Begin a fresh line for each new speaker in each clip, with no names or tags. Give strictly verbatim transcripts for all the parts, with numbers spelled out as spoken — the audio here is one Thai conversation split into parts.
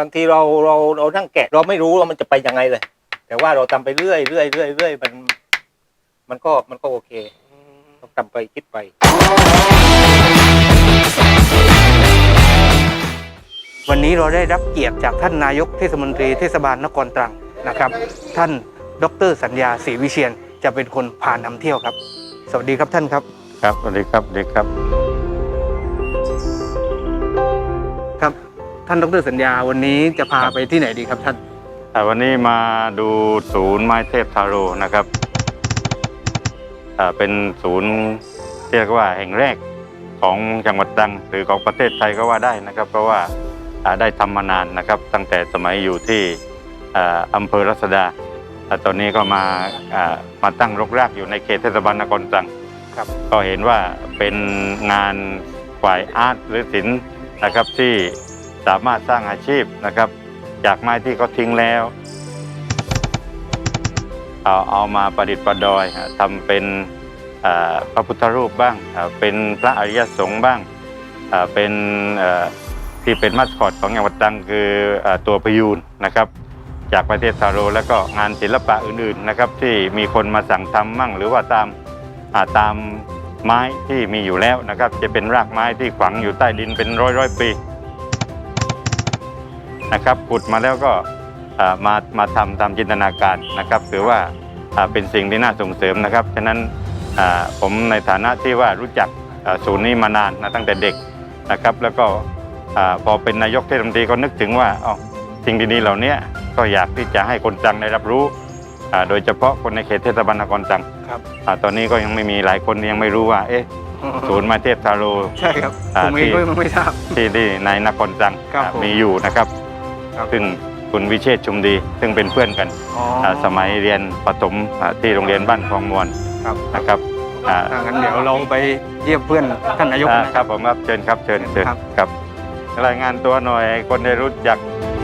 างทีเราเราเรานั่งแกะเราไม่รู้ว่ามันจะไปยังไงเลยแต่ว่าเราทำไปเรื่อยเรื่อยเรื่อยเรื่อยมันมันก็มันก็โอเคต้องทำไปคิดไปวันนี้เราได้รับเกียรติจากท่านนายกเทศมนตรีเทศบาลนครตรังนะครับท่านดร.สัญญาศรีวิเชียรจะเป็นคนพานำเที่ยวครับสวัสดีครับท่านครับ
ครับสวัสดีครับเด็กครับ
ครับท่านดร.สัญญาวันนี้จะพาไปที่ไหนดีครับท่าน
วันนี้มาดูศูนย์ไม้เทพทาโร่นะครับเป็นศูนย์เรียกว่าแห่งแรกของจังหวัดตรังหรือของประเทศไทยก็ว่าได้นะครับเพราะว่าได้ทำมานานนะครับตั้งแต่สมัยอยู่ที่อำเภอรัศดาตอนนี้ก็มามาตั้งรกรากอยู่ในเขตเทศบาลนครตรังครับก็เห็นว่าเป็นงานฝ่ายอาร์ตหรือศิลป์นะครับที่สามารถสร้างอาชีพนะครับจากไม้ที่เขาทิ้งแล้วเอาเอามาประดิษฐ์ประดอยทำเป็นพระพุทธรูปบ้างเป็นพระอริยสงฆ์บ้างเป็นที่เป็นมาสคอตของจังหวัดตรังคือตัวพยูนนะครับจากประเทศทาโร่แล้วก็งานศิลปะอื่นๆนะครับที่มีคนมาสั่งทำมั่งหรือว่าตามตามไม้ที่มีอยู่แล้วนะครับจะเป็นรากไม้ที่ฝังอยู่ใต้ดินเป็นร้อยร้อยปีนะครับขุดมาแล้วก็มามาทำตามจินตนาการนะครับถือว่าเป็นสิ่งที่น่าส่งเสริมนะครับฉะนั้นผมในฐานะที่ว่ารู้จักศูนย์นี้มานานนะตั้งแต่เด็กนะครับแล้วก็พอเป็นนายกเทศมนตรีก็นึกถึงว่าอ๋อสิ่งดีๆเหล่านี้ก็อยากที่จะให้คนตรังได้รับรู้โดยเฉพาะคนในเขตเทศบาลนครตรังตอนนี้ก็ยังไม่มีหลายคนยังไม่รู้ว่าเอ๊ะศูนย์ไม้เทพทาโร่
ใช่ครับผมเองก็ไม่ทราบ
ที่ที่ในนครตรังมีอยู่นะครับซึ่งคุณวิเชษฐ์ชุมดีซึ่งเป็นเพื่อนกันสมัยเรียนประถมที่โรงเรียนบ้านคลองมวลนะครับ
ถ้างั้นเดี๋ยวเราไปเยี่ยมเพื่อนท่านนายก
นะครับผมครับเชิญครับเชิญเชิญครับรายงานตัวหน่อยคนได้รู้จัก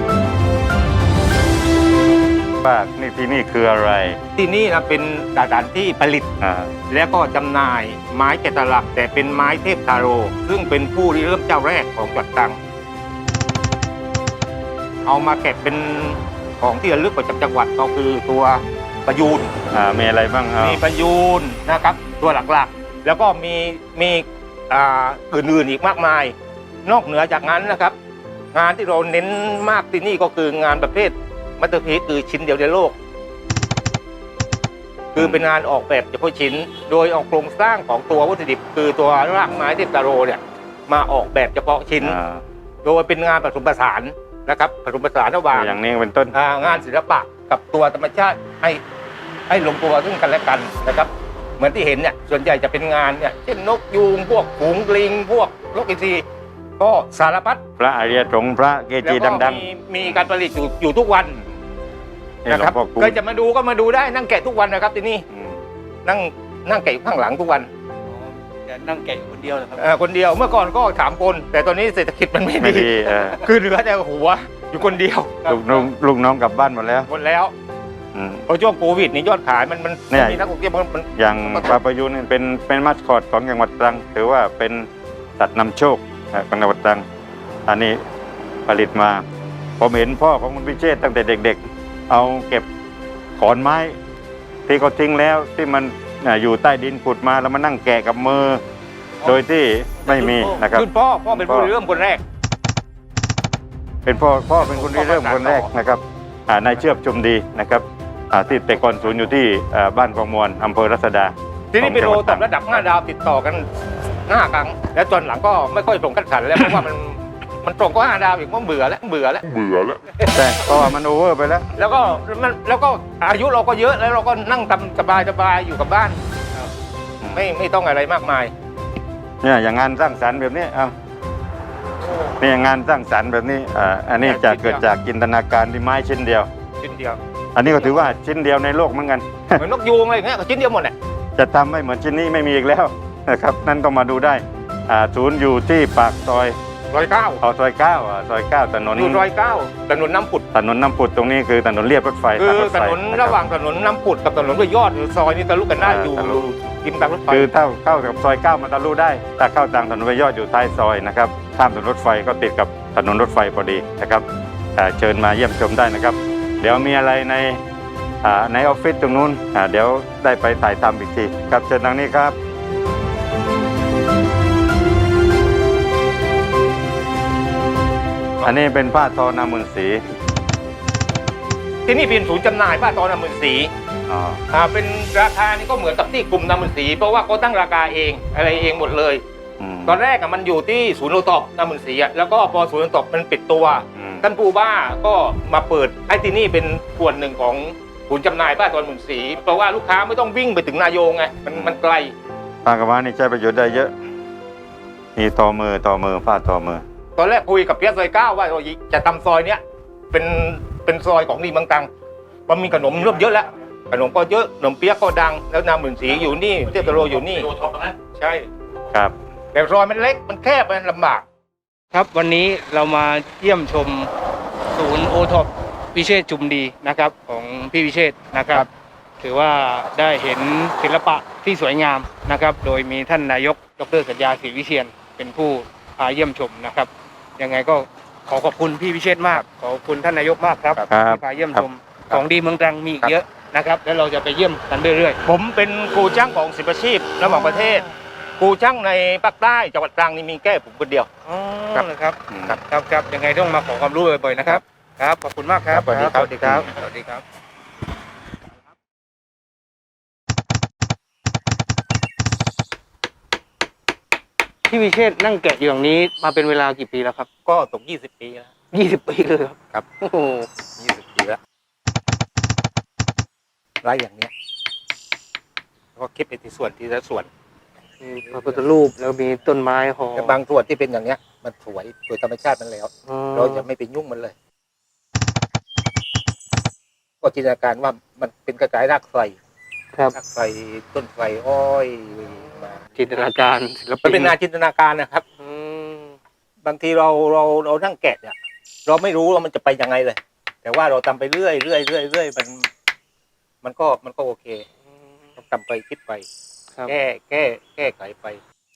ว่านี่ที่นี่คืออะไร
ที่นี่นะเป็นสถานที่ผลิตและก็จำหน่ายไม้แกะสลักแต่เป็นไม้เทพทาโร่ซึ่งเป็นผู้ริเริ่มเจ้าแรกของจังหวัดตรังเอามาแกะเป็นของที่ระลึกประจำจังหวัดก็คือตัวประยูน
มีอะไรบ้าง
มีประยูนนะครับตัวหลักๆแล้วก็มีมีอื่นๆอีกมากมายนอกเหนือจากนั้นนะครับงานที่เราเน้นมากที่นี่ก็คืองานประเภทมัตเตอร์พีซคือชิ้นเดียวในโลกคือเป็นงานออกแบบเฉพาะชิ้นโดยเอาโครงสร้างของตัววัตถุดิบคือตัวรากไม้เทพทาโร่เนี่ยมาออกแบบเฉพาะชิ้นโดยเป็นงานผสมผสานนะครับผสมผสานระหว่าง
อย่างนี้เป็นต้น
งานศิลปะกับตัวธรรมชาติให้ให้ลงตัวซึ่งกันและกันนะครับเหมือนที่เห็นเนี่ยส่วนใหญ่จะเป็นงานเนี่ยเช่นนกยูงพวกฝูงลิงพวกนกอินทรีก็สารพัด
พระอริยสงฆ์พระเกจิดัง
ๆมีการผลิตอยู่อยู่ทุกวันนะครับเคยจะมาดูก็มาดูได้นั่งแกะทุกวันนะครับที่นี่นั่งนั่งแกะอยู่ข้างหลังทุกวัน
นั่งแกะอยู่คนเดียวเลยครับ
คนเดียวเมื่อก่อนก็สามคนแต่ตอนนี้เศรษฐกิจมันไม่ดีคือเหลือแต่หัวอยู่คนเดียว
ลูกน้องลูกน้องกลับบ้านหมดแล้ว
หมดแล้วพอช่วงโควิดนี่ยอดขายมันมันมีนักท่องเที่ยวมัน
อย่างปลาประยูนนี่เป็นเป็นมาสคอตของจังหวัดตรังถือว่าเป็นสัตว์นำโชคของจังหวัดตรังอันนี้ผลิตมาผมเห็นพ่อของคุณวิเชษฐ์ตั้งแต่เด็กๆเอาเก็บขอนไม้ที่เขาทิ้งแล้วที่มันอยู่ใต้ดินขุดมาแล้วมานั่งแกะกับมือโดยที่ไม่มีนะครับ
คือพ่อพ่อเป็นผู้เริ่มคนแรก
เป็นพ่อพ่อเป็นคนที่เริ่มคนแรกนะครับนายเชือบชุมดีนะครับที่แต่ก่อนศูนย์อยู่ที่บ้านคลองมวลอำเภอรัศดา
ที่นี่เป็นโรตับระดับห้าดาวติดต่อกันห้าครั้งแล้วจนหลังก็ไม่ค่อยส่งกันขันแล้วเพราะว่ามันมันตรงก็ห้าดาวอีกมันเบื่อแล้วเบื่อแล้ว
เบื่อแล้วใช่เพราะว่ามันโอเวอร์ไปแล้ว
แล้วก็มันแล้วก็อายุเราก็เยอะแล้วเราก็นั่งทำสบายสบายอยู่กับบ้านไม่ไม่ต้องอะไรมากมาย
เนี่ยอย่างงานสร้างสรรค์แบบนี้เอานี่งานสร้างสรรค์แบบนี้อ่าอันนี้จะเกิดจากจินตนาการที่ไม้ชิ้นเดียว
ชิ้นเดียว
อันนี้ก็ถือว่าชิ้นเดียวในโลกเหมือนกัน
เหมือนนกยูงอะไรอย่างเงี้ยก็ชิ้นเดียวหมดแหละ
จะทำให้เหมือนชิ้นนี้ไม่มีอีกแล้วนะครับนั่นต้องมาดูได้อ่าศูนย์อยู่ที่ปากซอย
ซอยเก้า
เอาซอยเก้าอ่ะซอยเก้าถนน
อยู่ซอยเก้าถนนน้ำผุด
ถนนน้ำผุดตรงนี้คือถนนเลียบรถไฟ
คือถนนระหว่างถนนน้ำผุดกับถนนห้วยยอดซอยนี้ทะลุกันได้อยู่ริมทางรถไฟ
คือถ้าเข้ากับซอยเก้ามันทะลุได้ถ้าเข้าทางถนนห้วยยอดอยู่ท้ายซอยนะครับข้ามถนนรถไฟก็ติดกับถนนรถไฟพอดีนะครับอ่าเชิญมาเยี่ยมชมได้นะครับ เดี๋ยวมีอะไรในอ่าในออฟฟิศตรงนู้นอ่าเดี๋ยวได้ไปถ่ายทำอีกทีครับเชิญทางนี้ครับอันนี้เป็นผ้าทอนามุนสี
ที่นี่เป็นศูนย์จำหน่ายผ้าทอนามือสี
อ๋อ
อ่าเป็นราคานี่ก็เหมือนกับที่กลุ่มนามือสี เพราะว่าเขาตั้งราคาเองอะไรเองหมดเลย
อืม
ตอนแรกอะมันอยู่ที่ศูนย์โอท็อปนามือสีอะแล้วก็พอศูนย์โอท็อปมันปิดตัว
อืม
ท่านผู้ว่าก็มาเปิดไอ้ที่นี่เป็นส่วนหนึ่งของศูนย์จำหน่ายผ้าทอนามือสี เพราะว่าลูกค้าไม่ต้องวิ่งไปถึงนายงไงมันมันไกล
ผ้ากระว่านี่ใช้ประโยชน์ได้เยอะมีต่อมือต่อมือผ้าต่อมือ
ตอนแรกคุยกับเพียรซอยเก้าว่าเราจะทำซอยเนี้ยเป็นเป็นซอยของดีเมืองตรังมันมีขนมเริ่มเยอะแล้วขนมก็เยอะขนมเปี๊ยกก็ดังแล้วนามือสีอยู่นี่เทพตะโลอยู่นี่ใช่
ครับ
แต่ซอยมันเล็กมันแคบมันลำบาก
ครับวันนี้เรามาเยี่ยมชมศูนย์โอท็อปวิเชษจุมดีนะครับของพี่วิเชษนะครับ ถือว่าได้เห็นศิลปะที่สวยงามนะครับ โดยมีท่านนายกดรสัญญาศรีวิเชียนเป็นผู้พาเยี่ยมชมนะครับยังไงก็ขอขอบคุณพี่วิเชษมาก ขอบคุณท่านนายกมากครับ
ครับ
ที่พาเยี่ยมชมของดีเมืองตรังมีอีกเยอะนะครับ แล้วเราจะไปเยี่ยมกันเรื่อย
ผมเป็นครูช่างของสิบอาชีพระหว่างประเทศครูช่างในภาคใต้จังหวัดตรังนี่มีแค่ผมคนเดียว
ๆอ๋อ
ครับ
นะครับ
อืม
ครับครับครับยังไงต้องมาขอความรู้บ่อยๆนะครับครับขอบคุณมากครับ
ครับสวัสดีครับ
สวัสดีครับสวัสดีครับ พี่วิเชษฐ์นั่งแกะอยู่อย่างนี้มาเป็นเวลากี่ปีแล้วครับ
ก็ตกยี่สิบปีแล้ว
ยี่สิบปีเลยครับ
ครับ
โอ้โห
ยี่สิบปีแล้วไร่อย่างเนี้ยแล้วก็คิดไปที่ส่วนที่ละส่วน
มีพระพุทธรูปแล้วมีต้นไม้ห่อ
แต่บางส่วนที่เป็นอย่างเนี้ย มันสวยโดยธรรมชาติมันแล้ว
อ๋อ
เราจะไม่ไปยุ่งมันเลย ก็จินตนาการว่ามันเป็นกระจายรากไฟ
ครับ
รากไฟต้นไฟอ้อยมา
จินตนาการศิล
มัน
ปิน
เป็นงานจินตนาการนะครับ
อืม
บางทีเราเราเรานั่งแกะเนี่ยเราไม่รู้ว่ามันจะไปยังไงเลย แต่ว่าเราทำไปเรื่อยเรื่อยเรื่อยเรื่อยมัน มันก็มันก็โอเคต้องทำไปคิดไป
ครับ
แก้แก้แก้ไขไป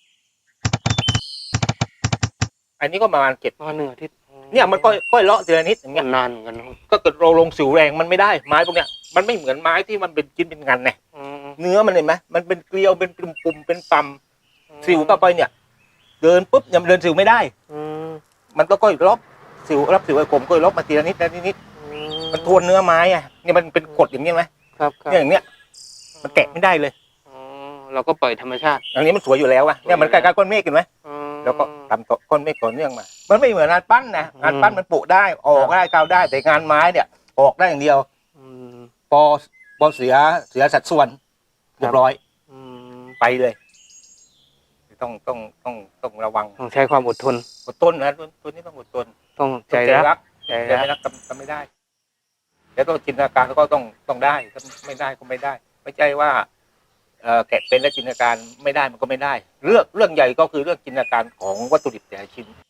อันนี้ก็ประมาณเจ็ด
มาหนึ่งอาทิตย์
เนี่ยมันก็ค่อยเลาะทีละนิดอย่างเงี้ย
นานเหมือนกันนะครับ
ก็เกิดเราลงสิวแรงมันไม่ได้ไม้พวกเนี้ยมันไม่เหมือนไม้ที่มันเป็นชิ้นเป็นงานไง
อืม
เนื้อมันเห็นไหมมันเป็นเกลียวเป็นปุ่มๆเป็นปั๊มสิวเข้าไปเนี่ย เดินปุ๊บยังเดินสิวไม่ได้
อืม
มันก็ค่อยลบสิวรับสิวไอ้ผมก็ลบมาทีละนิดทีละนิด มันทวนเนื้อไม้อะเนี่ยมันเป็นกฎอย่างนี้ไหม
ครับครับ
เนี่ยอย่างเนี้ยมันแกะไม่ได้เลย
อ๋อเราก็ปล่อยธรรมชาติ
อย่างนี้มันสวยอยู่แล้วอะเนี่ยมันใกล้ๆก้อนเมฆเห็นไหม
อืม
แล้วก็ทำต่อก้อนเมฆต่อเนื่องมา มันไม่เหมือนงานปั้นนะงานปั้นมันปุได้ออกได้กาวได้แต่งานไม้เนี่ย ออกได้อย่างเดียว
อืม
พอพอเสียเสียสัดส่วนเรียบร้อย
อืม
ไปเลย ต้องต้องต้องต้องระวัง
ต้องใช้ความอดทน
อดทนนะตัวตัวนี้ต้องอดทน
ต้องใจ
ต้อง
รัก
ใจ
ใจรัก
ไม่รักทำทำไม่ได้แล้วก็จินตนาการก็ต้องต้องได้ถ้าไม่ได้ก็ไม่ได้ ไม่ใช่ว่าเอ่อแกะเป็นแล้วจินตนาการไม่ได้มันก็ไม่ได้ เรื่องเรื่องใหญ่ก็คือเรื่องจินตนาการของวัตถุดิบแต่ละชิ้น